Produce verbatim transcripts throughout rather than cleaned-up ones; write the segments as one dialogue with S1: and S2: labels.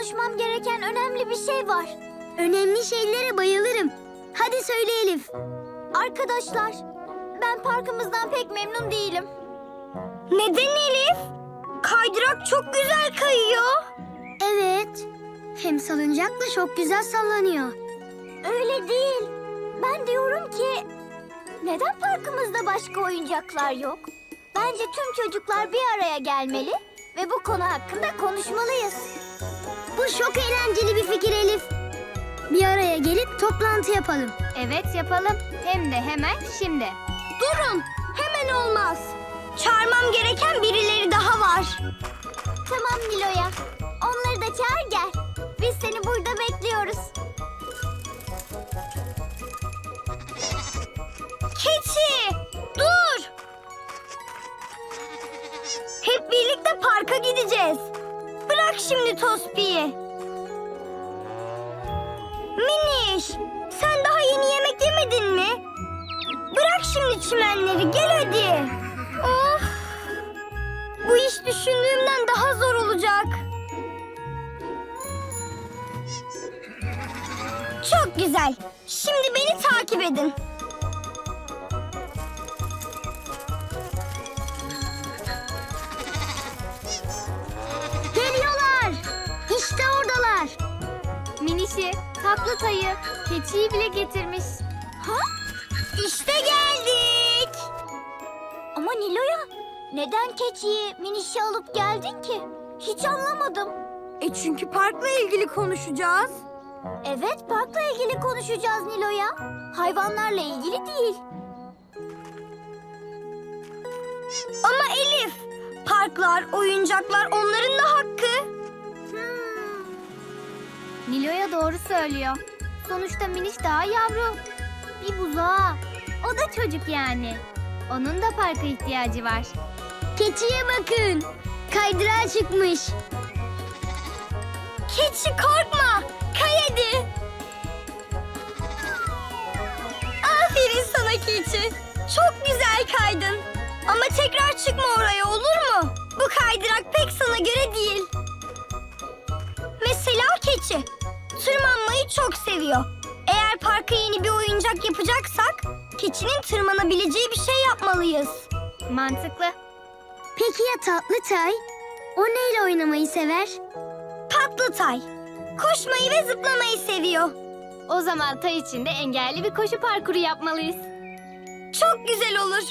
S1: konuşmam gereken önemli bir şey var.
S2: Önemli şeylere bayılırım. Hadi söyle Elif.
S1: Arkadaşlar, ben parkımızdan pek memnun değilim.
S2: Neden Elif? Kaydırak çok güzel kayıyor. Evet. Hem salıncak da çok güzel sallanıyor.
S1: Öyle değil. Ben diyorum ki, neden parkımızda başka oyuncaklar yok? Bence tüm çocuklar bir araya gelmeli ve bu konu hakkında konuşmalıyız.
S2: Bu çok eğlenceli bir fikir Elif. Bir araya gelip toplantı yapalım.
S3: Evet yapalım. Hem de hemen şimdi.
S2: Durun, hemen olmaz. Çağırmam gereken birileri daha var.
S1: Tamam Nilo'ya, onları da çağır gel. Biz seni burada bekliyoruz.
S2: Keçi, dur! Hep birlikte parka gideceğiz. Bırak şimdi Tospi'yi. Miniş, sen daha yeni yemek yemedin mi? Bırak şimdi çimenleri, gel hadi. Of! Bu iş düşündüğümden daha zor olacak. Çok güzel. Şimdi beni takip edin. Geliyorlar. İşte oradalar.
S3: Minişi, tatlı tayı, keçiyi bile getirmiş.
S1: Ha?
S2: İşte geldik.
S1: Ama Nilo'ya, neden keçiyi, Miniş'i alıp geldin ki? Hiç anlamadım.
S2: E çünkü parkla ilgili konuşacağız.
S1: Evet, parkla ilgili konuşacağız Nilo'ya. Hayvanlarla ilgili değil.
S2: Ama Elif, parklar, oyuncaklar onların da hakkı.
S1: Hmm.
S3: Nilo'ya doğru söylüyor. Sonuçta Miniş daha yavru. Bir buzağı. O da çocuk yani. Onun da parka ihtiyacı var.
S2: Keçiye bakın. Kaydırağa çıkmış. Keçi korkma. Kay hadi. Aferin sana keçi. Çok güzel kaydın. Ama tekrar çıkma oraya, olur mu? Bu kaydırak pek sana göre değil. Mesela keçi. Tırmanmayı çok seviyor. Eğer parka yeni bir oyuncak yapacaksak keçinin tırmanabileceği bir şey yapmalıyız.
S3: Mantıklı.
S2: Peki ya Tatlıtay? O neyle oynamayı sever? Tatlıtay. Koşmayı ve zıplamayı seviyor.
S3: O zaman tay içinde engelli bir koşu parkuru yapmalıyız.
S2: Çok güzel olur.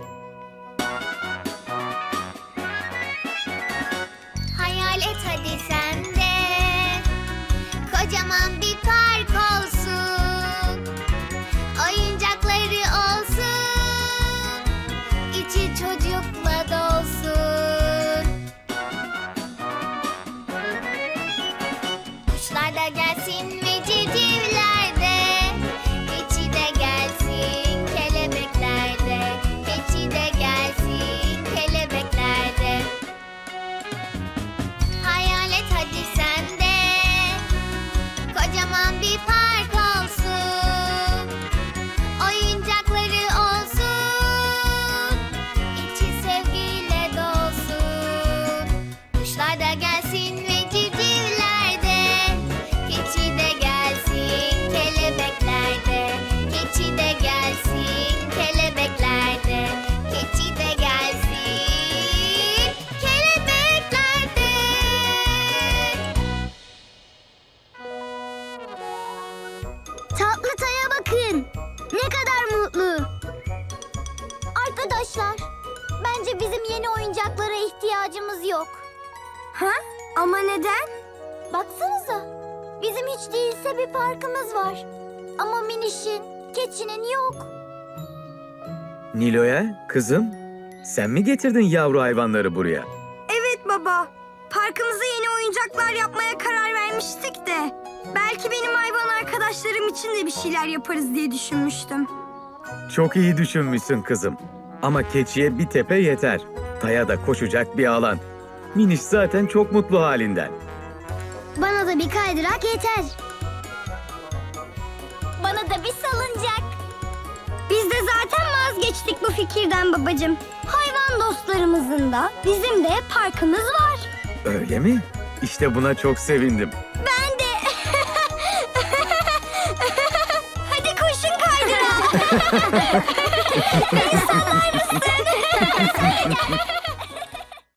S1: Hayal et hadi sen de, kocaman bir park olsun, oyuncakları olsun, içi çocukla dolsun. Kuşlar da gelsin ve civcivler de, keçi de gelsin, kelebekler de, keçi de gelsin, kelebekler de. Hayal et hadi sen de, kocaman bir park olsun, oyuncakları olsun, içi sevgiyle dolsun. Kuşlar da gelsin ve civcivler de, keçi de gelsin, kelebekler de, keçi de gelsin, kelebekler de, keçi de gelsin, kelebekler de.
S2: Tatlıtay'a bakın. Ne kadar mutlu.
S1: Arkadaşlar, bence bizim yeni oyuncaklara ihtiyacımız yok.
S2: Ha? Ama neden?
S1: Baksanıza, bizim hiç değilse bir parkımız var. Ama Miniş'in, keçinin yok.
S4: Nilo'ya, kızım, sen mi getirdin yavru hayvanları buraya?
S2: Evet baba. Parkımıza yeni oyuncaklar yapmaya karar vermiştik de. Belki benim hayvan arkadaşlarım için de bir şeyler yaparız diye düşünmüştüm.
S4: Çok iyi düşünmüşsün kızım. Ama keçiye bir tepe yeter. Taya da koşacak bir alan. Miniş zaten çok mutlu halinden.
S2: Bana da bir kaydırak yeter.
S1: Bana da bir salıncak.
S2: Biz de zaten vazgeçtik bu fikirden babacığım. Hayvan dostlarımızın da bizim de parkımız var.
S4: Öyle mi? İşte buna çok sevindim.
S2: Beni sallar mısın?